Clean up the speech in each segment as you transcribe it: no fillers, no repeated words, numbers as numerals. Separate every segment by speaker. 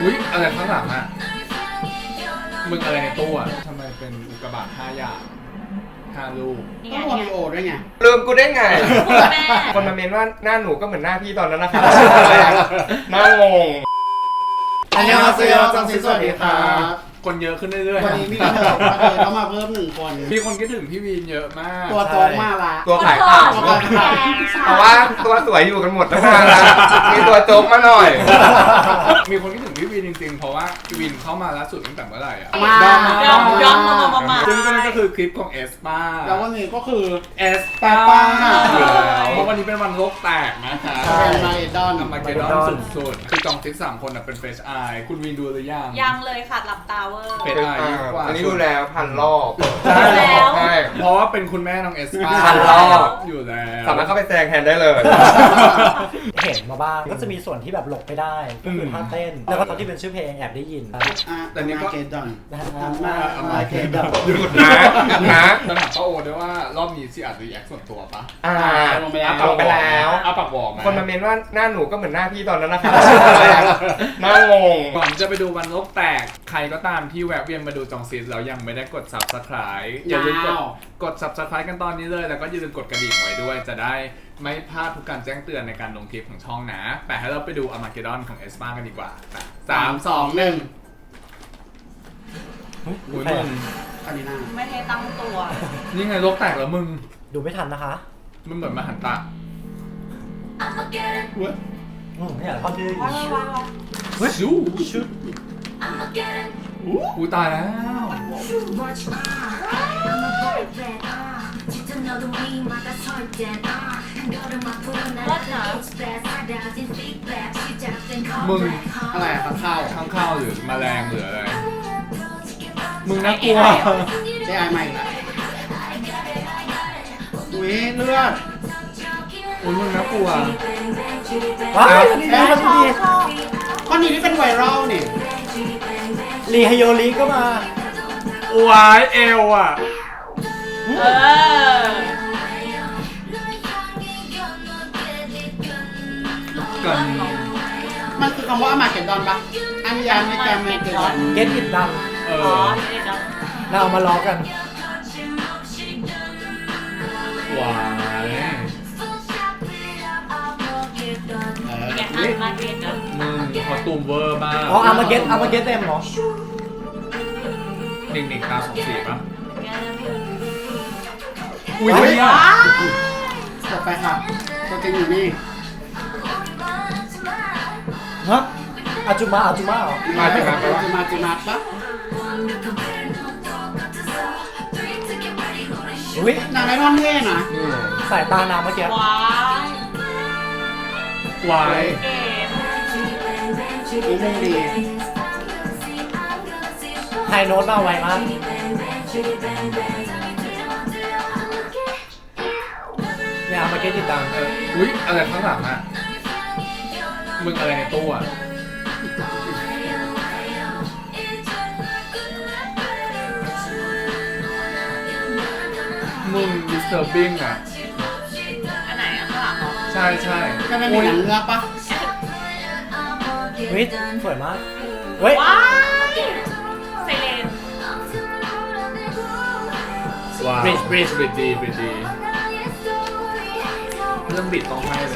Speaker 1: อุ๊ยอะไรข้างหลังอ่ะมึงอะไรในตู้อ่ะทำไมเป็นอุกกาบาต5 อย่าง5 ลูก
Speaker 2: ต้องวอริโอด้วยไง
Speaker 3: ลืมกูได้ไง
Speaker 4: คุณแม่
Speaker 3: คนมาเมนว่าหน้าหนูก็เหมือนหน้าพี่ตอนนั้นนะครับหน้างง
Speaker 2: อันนี้เราซื้อจังซีสวัสดีครับ
Speaker 1: คนเยอะขึ้นเรื่อยๆ
Speaker 2: วันนี้มีกระโดดมาเลยต้องมาเพิ่ม1 คน
Speaker 1: มีคนคิดถึงพี่วีนเยอะมาก
Speaker 2: ตัวโตมาละ
Speaker 3: ตัวขายข่าว เพราะว่าตัวสวยอยู่กันหมดตั้งนานแล้วมีตัวโจ๊กมาหน่อย
Speaker 1: มีคนคิดถึงพี่วีนจริงๆ เพราะว่าพี่วีนเข้ามาล่าสุดตั้งแต่เมื่อไหร่อ่ะ
Speaker 2: มา
Speaker 4: ย้อนมา
Speaker 1: ซึ่งก็นี่ก็คือคลิปของเอสป้า
Speaker 2: แล้ววันนี้ก็คือ
Speaker 1: เอส
Speaker 2: ป้า
Speaker 1: ป้าอยู่แล้วเพราะวันนี้เป็นวันโลกแตกนะคะ
Speaker 2: เป็นมาเอดอน
Speaker 1: อามาเกดอนสุดๆคือจองติ๊ก3 คนเป็นเฟสไอคุณวีนดูหรือยัง
Speaker 4: ยังเลยค่ะหลับตาเวอร์
Speaker 1: เฟสไอยิ่งกว่า
Speaker 3: อันนี้ดูแล้ว1,000 รอบ
Speaker 1: ใช่
Speaker 4: แล้ว
Speaker 3: ใช่
Speaker 1: เพราะว่าเป็นคุณแม่น้องเอสป้า
Speaker 3: 1,000 รอบ
Speaker 1: อยู่แล้ว
Speaker 3: สามารถเข้าไปแซงแทนได้เลย
Speaker 5: เห็นมาบ้างก็จะมีส่วนที่แบบหลบไม่ได้ก็คือท่าเต้น แล้วก็ตอนที่เป็นชื่อเพลงแอบได้ยิน
Speaker 2: แต่นี้ก็เกดอน
Speaker 5: นะฮะ
Speaker 2: มาเกดอน
Speaker 3: หยุดนะนะ
Speaker 1: จะถามป้าโอด้วยว่ารอบนี้สิอาจจะรีแอคส่วนตัวปะ
Speaker 3: ลงไปแล้ว
Speaker 1: เอาปากบอกไหม
Speaker 3: คนมาเมนว่าหน้าหนูก็เหมือนหน้าพี่ตอนนั้นนะครับหน้างง
Speaker 1: ก่อนจะไปดูวันโลกแตก ใครก็ตามที่แวะเวียนมาดูจองซีสแล้วยังไม่ได้กด Subscribe อย่าลืมกด Subscribe กันตอนนี้เลย แล้วก็อย่าลืมกดกระดิ่งไว้ด้วย จะได้ไม่พลาดทุกการแจ้งเตือนในการลงคลิปของช่องนะแต่ให้เราไปดูอามาเกดอนของเอสปากันดีกว่า3 2 1 อุ้ยมึง
Speaker 2: อันนี้น่า
Speaker 4: ไม่ให้ตั้งตัว
Speaker 1: นี่ไงโลกแตกแล้วมึง
Speaker 5: ดูไม่ทันนะคะ
Speaker 1: มันเหมือนมหันตะ
Speaker 5: เนี่ยท่อนที่
Speaker 1: ชูชุดอู้ตายแล้ว มึง
Speaker 2: อะไรอะข้าว
Speaker 1: ข้างข้าวหรือแมลงหรืออะไร มึงน่ากลัว
Speaker 2: เจ๊ไอใหม่ละอุ้ยเลือด
Speaker 1: อุ้ยมึงน่ากลัว
Speaker 5: ว้ายนี่มันดี
Speaker 2: ข้อนี้ที่เป็นไวรัลนี่
Speaker 5: รีฮโยริก็มา
Speaker 1: วายเอวอ่ะ
Speaker 4: เออ
Speaker 1: กัน
Speaker 2: มันคือคำว่าอามาเกดอนปะอันยาไม่แกมไม่เกดอน
Speaker 5: เก็ตอิดดัง
Speaker 1: เอ
Speaker 4: อ๋อ
Speaker 1: อ
Speaker 4: นี่เนาะ
Speaker 5: เราเอามาล้อกัน
Speaker 1: วาย
Speaker 4: ไงอันมาเก็ตเนาะ
Speaker 1: มึงคอสตูมเวอร์มาก
Speaker 5: อ๋ออามาเก็ตเต็มเหรอ
Speaker 1: หนึ่งตา2 สีป่ะ
Speaker 4: ไง
Speaker 1: อุ้ย
Speaker 5: เฮ้ย
Speaker 1: เนี่ย
Speaker 2: ต่อไปค่ะตัวจริงอยู่นี่
Speaker 5: ฮะอาจุมาเหรอ
Speaker 3: มาจากไหนวะ
Speaker 2: จิมาปะ
Speaker 5: อุ้ย
Speaker 2: นางไอรอนเท่นะ
Speaker 5: สายตานางเมื่อกี้
Speaker 4: ว้ายว
Speaker 1: าย
Speaker 4: เก๋
Speaker 2: อุ้ยมุงดี
Speaker 5: ไฮโน้ตมาไวมากเนี่ยอามาเก็ตอิดดัง
Speaker 1: อุ้ยอะไรข้างหลังอ่ะ มึงอะไรในตู้อ่ะ มึง disturbing อ่ะ
Speaker 4: อันไหนอ่ะข้างหลังเหรอ
Speaker 1: ใช่ใช่
Speaker 2: ก็ไม่มีหนังเงือกปะ
Speaker 5: เฮ้ยสวยมากเฮ้ย
Speaker 4: ว้ายไซเลน
Speaker 1: ว้าว bridge ดีเรื่องบิดต้องให้เลย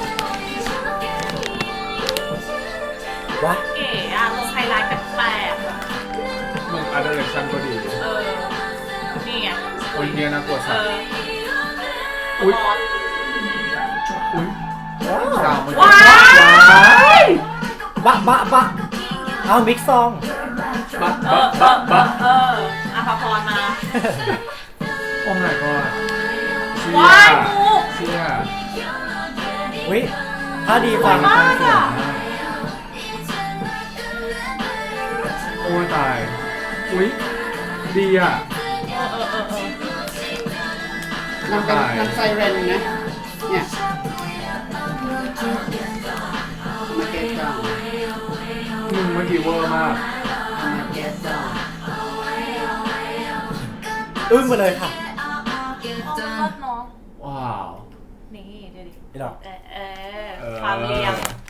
Speaker 5: วะ
Speaker 4: เก๋อะลงไฮไลท์แปลกๆอะ
Speaker 1: มึง art direction ก็ดี
Speaker 4: เออ นี่ไง
Speaker 1: โอ้ยเนี่ยน่ากลัว
Speaker 4: เอ
Speaker 1: สัส
Speaker 4: อ
Speaker 1: อุ๊ย
Speaker 4: บอส
Speaker 1: อุ้ย
Speaker 5: ว้าว
Speaker 1: ดาวมัน
Speaker 4: ว้าย
Speaker 5: บะเอามิกซอง
Speaker 1: บะ
Speaker 4: เออบ
Speaker 1: ะบะ
Speaker 4: อาภาพรมา
Speaker 1: โอ้ my god
Speaker 4: ว้ายงู
Speaker 1: เชี่ย
Speaker 5: อุ้ยถ้าดีฟัง
Speaker 4: สวยมากอะ
Speaker 1: โอ้ยตาย อุ้ยดีอ่ะ
Speaker 2: มันเป็นมันไซเรนนะเนี่ยมาเกดอน
Speaker 1: มึงเมื่อกี้เวอร์มาก
Speaker 2: มาเกดอน
Speaker 5: อึ้งไปเลยค่ะ
Speaker 4: อ๋อเนาะ
Speaker 1: ว้าว
Speaker 4: นี่ดูดิ
Speaker 5: นี่ดอก
Speaker 4: ความเรียง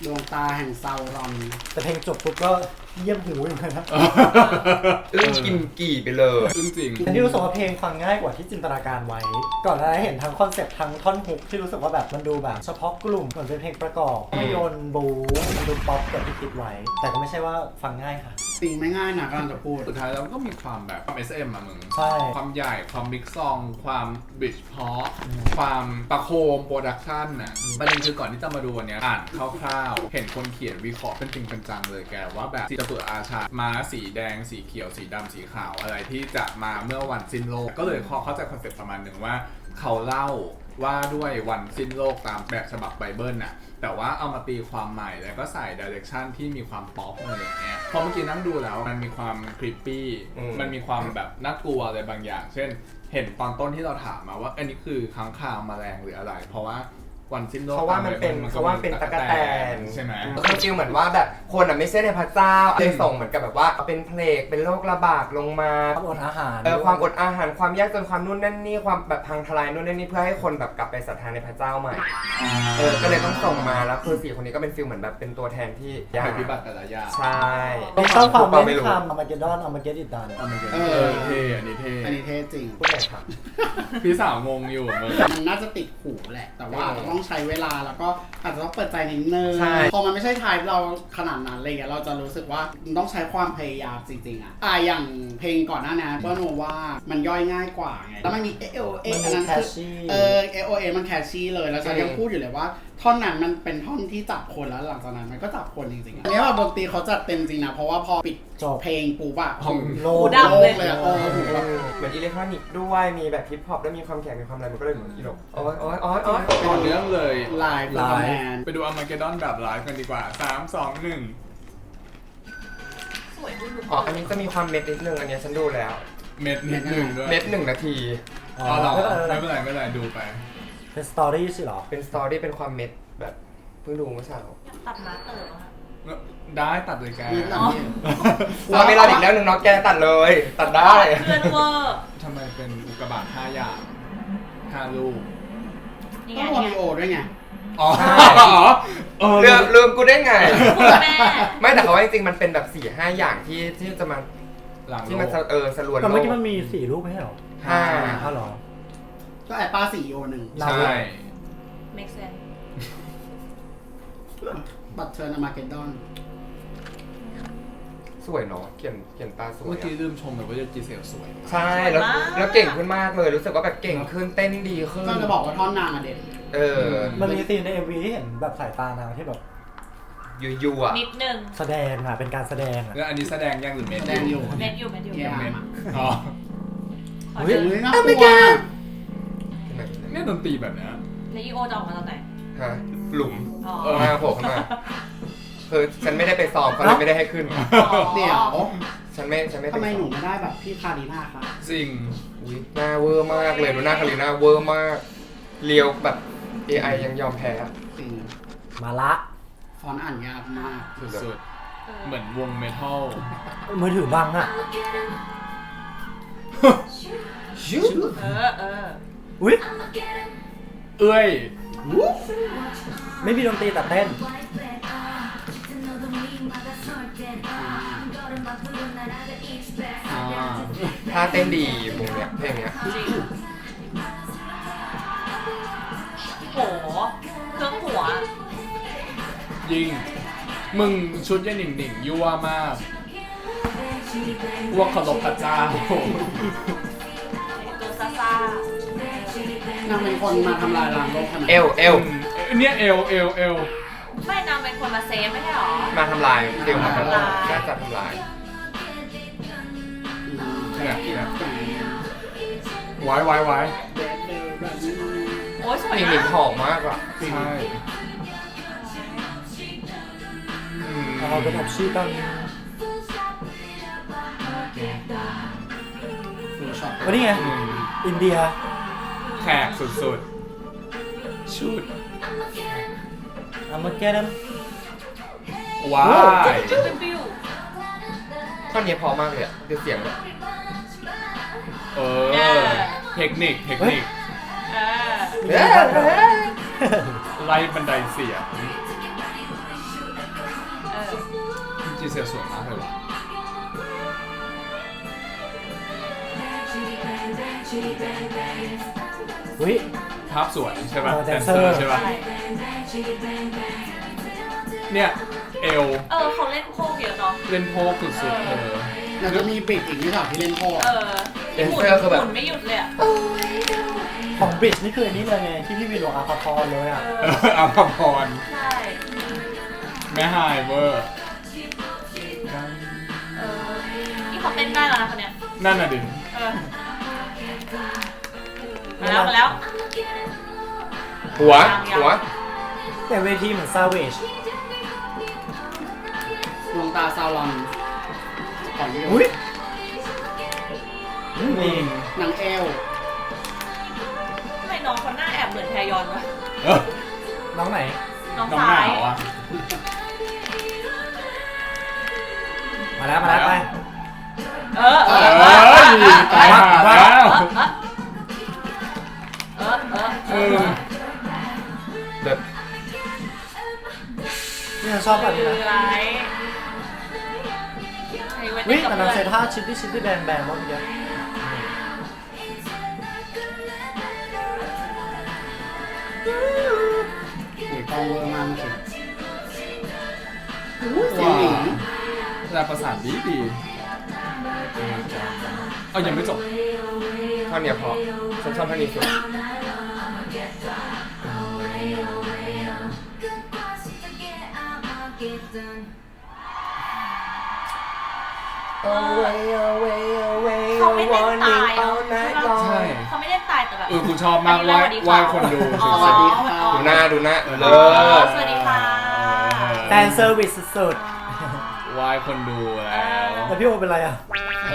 Speaker 2: ดวงตาแห่งซาวรอน
Speaker 5: แต่เพลงจบปุ๊บก็เยี่ยมหูอย่างเงี้ยนะ
Speaker 3: กินกี่ไปเลย
Speaker 1: จริง
Speaker 5: อันนี้รู้สึกว่าเพลงฟังง่ายกว่าที่จินตนาการไว้ ก่อนหน้านี้เห็นทั้งคอนเซ็ปต์ทั้งท่อนฮุกที่รู้สึกว่าแบบมันดูแบบเฉพาะกลุ่มเหมือนเป็นเพลงประกอบภาพยนตร์บู๊มันดูป๊อปกว่าที่คิดไว้ แต่ก็ไม่ใช่ว่าฟังง่ายค่ะ
Speaker 2: จริงไม่ง่ายนะกำลังจะพูด
Speaker 1: สุดท้ายแล้วก็มีความแบบความ SM อะมึง
Speaker 5: ใช่
Speaker 1: ความใหญ่ความบิ๊กซองความบิชพอความประโคมโปรดักชันน่ะประเด็นคือก่อนที่จะมาดูวันเนี้ยอ่านคร่าวๆเห็นคนเขียนวิเคราะห์เป็นจริงเป็นจังเลยแกว่าแบบสีจตุอาชาม้าสีแดงสีเขียวสีดำสีขาวอะไรที่จะมาเมื่อวันสิ้นโลกก็เลยเข้าใจคอนเซ็ปต์ประมาณหนึ่งว่าเขาเล่าว่าด้วยวันสิ้นโลกตามแบบฉบับไบเบิลน่ะแต่ว่าเอามาตีความใหม่แล้วก็ใส่ดิเรกชันที่มีความป๊อปอะไรอย่างเงี้ยพอเมื่อกี้นั่งดูแล้วมันมีความครีปปี้มันมีความแบบน่ากลัวอะไรบางอย่าง เช่นเห็นตอนต้นที่เราถามมาว่าอันนี้คือค้างคาวแมลงหรืออะไร เพราะว่าวันสิ้นโลก
Speaker 3: เขาว่ามันเป็นตะกั่วแตน
Speaker 1: ใช่ไหม
Speaker 3: คือฟีลเหมือนว่าแบบคนไม่ใช่ในพระเจ้าเลยส่งเหมือนกับแบบว่าเป็นเพลงเป็นโรคระบาดลงมา
Speaker 5: ความอดอาหาร
Speaker 3: ความอดอาหารความยากจนความนู่นนั่นนี่ความแบบพังทลายนู่นนั่นนี่เพื่อให้คนแบบกลับไปศรัทธาในพระเจ้าใหม่ก็เลยต้องส่งมาแล้วคือ4คนนี้ก็เป็นฟีลเหมือนแบบเป็นตัวแทนที่ยาก
Speaker 1: ภัยพิบัติแต่ละอย่าง
Speaker 3: ใช่
Speaker 5: ต้องสร้างความ
Speaker 3: ไม่
Speaker 5: ไม่
Speaker 3: รู้
Speaker 5: คำอามาเกดดอนอามาเกดอิดดัน
Speaker 1: อันนี้
Speaker 2: เออ
Speaker 1: เท่อันนี้เท่
Speaker 2: อันนี้เท่จริง
Speaker 3: พูดไหนครับ
Speaker 1: พี่สาวงงอยู่มึง
Speaker 2: มันน่าจะติดหูแหละ แต่ว่าอาจจะต้องใช้เวลาแล้วก็อาจจะต้องเปิดใจนิดนึง
Speaker 3: ใช่
Speaker 2: พอมันไม่ใช่ไทป์เราขนาดนั้นอะไรเงี้ยเราจะรู้สึกว่ามันต้องใช้ความพยายามจริงๆอย่างเพลงก่อนหน้านี้เปิ้ลบอกว่ามันย่อยง่ายกว่าไงแล้วมันมี AOA
Speaker 5: มัน
Speaker 2: อัน
Speaker 5: มี
Speaker 2: นั้น
Speaker 5: แคช
Speaker 2: คือ
Speaker 5: ชี่
Speaker 2: AOA มันแคชชี่เลยแล้วฉันยังพูดอยู่เลยว่าท่อนนั้นมันเป็นท่อนที่จับคนแล้วหลังจากนั้นมันก็จับคนจริงๆอันนี้แบบดนตรีเขาจัดเต็มจริงนะเพราะว่าพอปิด
Speaker 5: จบ
Speaker 2: เพลงปุ๊บอะ
Speaker 1: ห้อง
Speaker 5: โล
Speaker 4: หู
Speaker 5: ด
Speaker 4: ดับเลย
Speaker 2: เลยอะหูแบบ
Speaker 3: เหมือนอิเล็กทรอนิกส์ด้วยมีแบบฮิปฮอปแล้วมีความแข็งมีความอะไรมันก็เลยเหมือนอีโลกโอ้ย
Speaker 1: ต่อเนื่องเลย
Speaker 2: ลายเป็นแมน
Speaker 1: ไปดูอาร์มาเกดดอนแบบไลฟ์กันดีกว่า 3 2 1
Speaker 4: สวยดู
Speaker 3: อ๋ออันนี้จะมีความเม็ดนิดนึงอันนี้ฉันดูแล้ว
Speaker 1: เม็ดนิดนึงด้วย
Speaker 3: เม็ด1 นาที
Speaker 5: อ๋อ
Speaker 1: อ๋อเหรอ
Speaker 5: ไม่
Speaker 1: ไม่
Speaker 5: เป็
Speaker 1: เป็น น
Speaker 5: ไร
Speaker 1: ไรไม่เป็นไรดูไป
Speaker 5: เป็นสตอรี่สิเหรอ
Speaker 3: เป็นสตอรี่เป็นความเม็ดแบบเพิ่งดูเมื่อเช้า
Speaker 4: ตัดมาเติมอะ
Speaker 1: ได้ตัดเลยแก
Speaker 2: มีตัดเนี่ย
Speaker 3: เราไม่รออีกแล้วหนึ่งเนาะแกตัดเลย ตัดได้
Speaker 4: เพื่อนเวอร์
Speaker 1: ทำไมเป็นอุกกาบาต5 อย่าง 5 ลูก
Speaker 4: นี่ไง
Speaker 2: ต้องโร
Speaker 4: นี่
Speaker 2: มิ
Speaker 4: ไง
Speaker 2: โอด้วยไง
Speaker 1: อ๋อ
Speaker 3: ใช่ ลืมกูได้ไง
Speaker 4: คุณแม่
Speaker 3: ไม่แต่เขาว่าจริงๆมันเป็นแบบ4-5 อย่างที่จะมา
Speaker 1: หลัง
Speaker 3: ที่
Speaker 1: โล
Speaker 3: มัน
Speaker 1: ก
Speaker 3: สรวน
Speaker 5: แต่
Speaker 3: โล
Speaker 5: เมื่อก กี้มันมี4รูปไม่ใช่เหรอ
Speaker 3: ห้า
Speaker 5: อ้าวเหรอ
Speaker 2: ก็แอปป้า4 O 1
Speaker 5: เรา
Speaker 1: ใช่
Speaker 4: make sense
Speaker 2: บัตรเชิญอมาเกดดอน
Speaker 3: สวยเนาะเขียนตาสวย
Speaker 1: เมื่อกี้
Speaker 3: อะ
Speaker 1: ลืมชมเลยว่าจีเซลสวย
Speaker 3: ใช่แล้วเก่งขึ้นมากเลยรู้สึกว่าแบบเก่งขึ้นเต้นดีขึ้น
Speaker 2: ก็จะบอกว่าท่อนนางอะเด็ด
Speaker 5: มันมีซีนใน MV ที่เห็นแบบสายตานางที่แบบ
Speaker 3: ยูอ่ะ
Speaker 4: นิดนึง
Speaker 5: แสดงอะเป็นการแสดงอะ
Speaker 1: แล้วอันนี้แสดงยังหรือเม็ด
Speaker 2: แสดงอยู่
Speaker 4: เม็ดอยู่เม็ดอยู่
Speaker 2: เยี่ยม
Speaker 1: เม็ด
Speaker 2: อะ
Speaker 1: อ๋อ
Speaker 4: ขอ
Speaker 2: เฮ้
Speaker 4: เจ
Speaker 2: ย
Speaker 4: อ
Speaker 2: น่ากลัว
Speaker 1: เนี่ยดนตรีแบบเนี้ย
Speaker 4: แล้วอีโอจะออกมาตอนไหน
Speaker 3: ฮะหลุม
Speaker 4: อ๋อ
Speaker 3: มาโผล่ขึ้นมาคือฉันไม่ได้ไปซ้อมเขาเลยไม่ได้ให้ขึ้น
Speaker 2: เดี๋ยว
Speaker 3: ฉันไม่ไป
Speaker 2: ทำไมหนู
Speaker 3: ซ้อ
Speaker 2: ไม่ได้แบบพี่คารีน่าคะ
Speaker 1: จริง
Speaker 3: อุ๊ยหน้าเวอร์มากเลยดูหน้าคาริน่าเวอร์มากเลียวแบบ AI ยังยอมแพ้
Speaker 2: จริง
Speaker 5: มาละ
Speaker 2: ฟอนต์อ่านยากมาก
Speaker 1: สุดๆเหมือนวงเมทัล
Speaker 5: มือถือบังอะ
Speaker 4: เออ
Speaker 5: อุ้ย
Speaker 1: เอ้ย
Speaker 5: ไม่มีดนตรีแต่เต้น
Speaker 3: ท่าเต้นดีวงเนี้ยเพลงเนี้ย
Speaker 4: จริงโหเครื่องหัว
Speaker 1: ยิง มึงชุดยันหนิ่งหนิ่งยั่วมากว่าเคารพพระเจ้า
Speaker 4: ตัวซ่าซ่าน
Speaker 2: างเป็นคนมาทำลายล้างโลกขนาด
Speaker 3: เอล
Speaker 1: เนี่ยเอล
Speaker 4: ไม่นางเป็นคนมาเซฟไม่ใช่หรอ
Speaker 3: มาทำลายเดี๋ยวมาทำลาย
Speaker 4: ทำลาย
Speaker 3: น่าจะทำลาย
Speaker 1: เนี่ยไว้
Speaker 4: โอ้ยสวย
Speaker 3: หนิง
Speaker 4: มาก
Speaker 3: หอมมากอ่ะ
Speaker 1: ใช่
Speaker 5: เอาเป็นแบบชื่อตั้ง
Speaker 2: ฟูช็อต
Speaker 5: วันนี้ไง อินเดีย
Speaker 1: แขกสุดๆ ชุด
Speaker 5: อามาเกดน
Speaker 1: ว้าย
Speaker 4: ปิ้ว
Speaker 3: ท่อนนี้พอมากเลยอ่ะดูเสียงเลย
Speaker 1: เออ เทคนิค
Speaker 4: เออ
Speaker 3: เอ้ย
Speaker 1: ไล่บันไดเสียงเสียสวยมากเลยว่ะ
Speaker 5: อุ้ย
Speaker 1: ภาพสวยใช่ป่ะ
Speaker 5: แดนเซ
Speaker 1: เซ
Speaker 5: อ
Speaker 1: อ
Speaker 5: ร์
Speaker 1: ร์ใช่ป่ะ
Speaker 4: ใช่
Speaker 1: เนี่ยเอล
Speaker 4: เขาเล่นโคกเยอะเนาะ
Speaker 1: เล่นโพกสุดๆเธอ
Speaker 2: แล้วก็มีปิดอีกที่ฉากที่เล่นโคตร
Speaker 4: ที่หมุนหมุนไม่หยุดเลยอ่ะ
Speaker 5: ของบริดจ์นี่คืออันนี้เลยไงที่พี่วีโรอาภาพรเลยอ่ะ
Speaker 1: อาภพร
Speaker 4: ใช่
Speaker 1: แม่ไฮเวอร์
Speaker 4: นี่เขาเต้นได้แล้วนะคนเนี้ย
Speaker 1: นั่นน่ะดิ
Speaker 4: มาแล้ว
Speaker 3: หัว
Speaker 5: แต่เวทีเหมือนซาเวจ
Speaker 2: ดวงตาซาวลอนของยู
Speaker 5: อุ้ยนี่
Speaker 2: หนังเอล
Speaker 4: ทำไมน้องคนหน้าแอบเหมือนแทยอนวะ
Speaker 1: เออ
Speaker 5: น้องไหน
Speaker 4: น้อง
Speaker 1: น้อง
Speaker 4: ซ้า
Speaker 1: หนาวย อ่ะ
Speaker 5: มาแล้วไป
Speaker 1: ตายหาแล้ว เออ
Speaker 3: แบบ
Speaker 5: นี่ฉันชอบแบบนี้นะ
Speaker 4: ไรไอ้เว้ย
Speaker 5: วิ่ง
Speaker 4: กับ
Speaker 5: แต่
Speaker 4: เพื่
Speaker 5: นาง
Speaker 4: อ
Speaker 5: เซ
Speaker 4: น
Speaker 5: ท่าชิดที่แบนเมื่อกี้
Speaker 2: หุยกองเวอร์มากเมื่อกี้เสียงหญิง
Speaker 1: แต่ประสานดีเอายังไม่จบ
Speaker 3: ท่อนเนี้ยพอฉันชอบท่อนนี้สุด
Speaker 4: เขาไม่เล่นตายเนาะ
Speaker 1: ใช่
Speaker 4: เขาไม่เล่นตายแต่แบบ
Speaker 1: กูชอบมากไหว้คนดู
Speaker 4: อ๋อ
Speaker 2: สวัสดีค่ะ
Speaker 3: ดูหน้าเลิศ
Speaker 4: สวัสดีค่ะ
Speaker 5: แฟนเซอร์วิสสุด
Speaker 1: ไหว้คนดูแล้ว
Speaker 5: ๆแต่พี่โอเป็นไรอ่ะ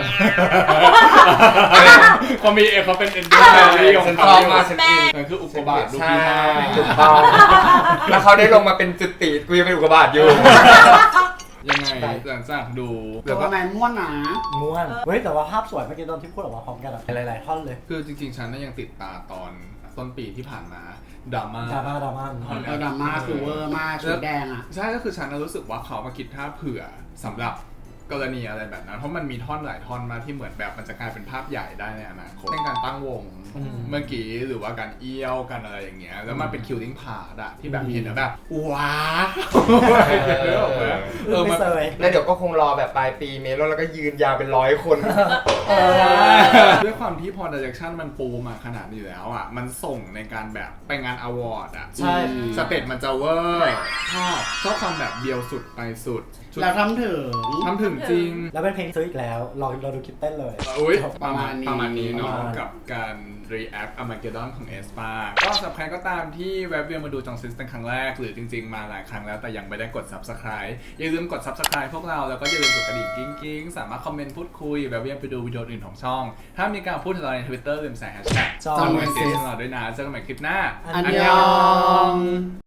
Speaker 1: เขามีเขาเป็นเอ็นดูแฟรี่ของ
Speaker 3: ฉันช
Speaker 1: เขา
Speaker 3: อบมากฉันอิน
Speaker 1: มันคืออุกกาบาตลูก
Speaker 3: ใช่
Speaker 1: ที่ห้า
Speaker 3: ถูกต้องแล้วเขาได้ลงมาเป็นจุดติกูยังเป็นอุกกาบาตอยู่
Speaker 1: ยังไงหลังจากดู
Speaker 2: แต่
Speaker 1: แล้วก็
Speaker 2: ว่าแมนม่วนหนา
Speaker 5: ม้วนเฮ้ยแต่ว่าภาพสวยเมื่อกี้ตอนที่พูดออกมาพร้อมกันอะหลายๆท่อนเลย
Speaker 1: คือจริงๆ ฉันน่ะยังติดตาตอนต้นปีที่ผ่านมาดราม่า
Speaker 5: ดราม่า
Speaker 2: แล้วดราม่าคือเวอร์มากชุดแดงอ่ะ
Speaker 1: ใช่ก็คือฉันน่ะรู้สึกว่าเขามาคิดท่าเผื่อสำหรับกรณีอะไรแบบนั้น เพราะมันมีท่อนหลายท่อนมาที่เหมือนแบบมันจะกลายเป็นภาพใหญ่ได้ในอนาคตในการตั้งวง
Speaker 5: อืม
Speaker 1: เมื่อกี้หรือว่าการเอี้ยวกันอะไรอย่างเงี้ยแล้วมันเป็นคิวติ้งพาร์ทอะที่แบบเห็นแล้วแบบว้าวเออ
Speaker 5: ไม่
Speaker 1: มัน
Speaker 5: เซย
Speaker 3: แล้วเดี๋ยวก็คงรอแบบปลายปีเมลอนแล้วก็ยืนยาวเป็น100 คน
Speaker 1: ด้วยความที่พอ direction มันปูมาขนาดนี้แล้วอ่ะ มันส่งในการแบบไปงานอวอร์ดอ่ะ
Speaker 5: ใช่
Speaker 1: สเตจมันจะเวอร์ชอบความแบบเบียวสุดไปสุดชุด
Speaker 2: แล้วทำถึง
Speaker 1: ทำถึงจริง
Speaker 5: แล้วเป็นเพลงซื้ออีกแล้ว เราดูคลิปเต้นเลย
Speaker 1: อุ้ย
Speaker 2: ป
Speaker 1: ประ ระ
Speaker 2: มา
Speaker 1: มา
Speaker 2: ณ
Speaker 1: ณ
Speaker 2: นี้
Speaker 1: ประมาณนี้เนาะ
Speaker 5: ประมาณ
Speaker 1: กับการ react Armageddon ของ Aespa ก็สำหรับใครก็ตามที่แวะเวียนมาดูจองซิสเป็นครั้งแรก หรือจริงๆ มาหลายครั้งแล้วแต่ยังไม่ได้กด subscribe อย่าลืมกด subscribe พวกเราแล้วก็อย่าลืมกดกระดิ่งกิ๊งๆ สามารถคอมเมนต์พูดคุยแวะเวียนไปดูวิดีโออื่นของช่อง ถ้ามีการพูดถึงเราใน Twitter ลืมใส่ hashtag
Speaker 5: จอง
Speaker 1: จองซิสเราด้วยนะเจอกันใหม่คลิปหน้า
Speaker 5: อัน
Speaker 2: อัน
Speaker 5: ย
Speaker 2: ย
Speaker 5: อ
Speaker 2: อง ง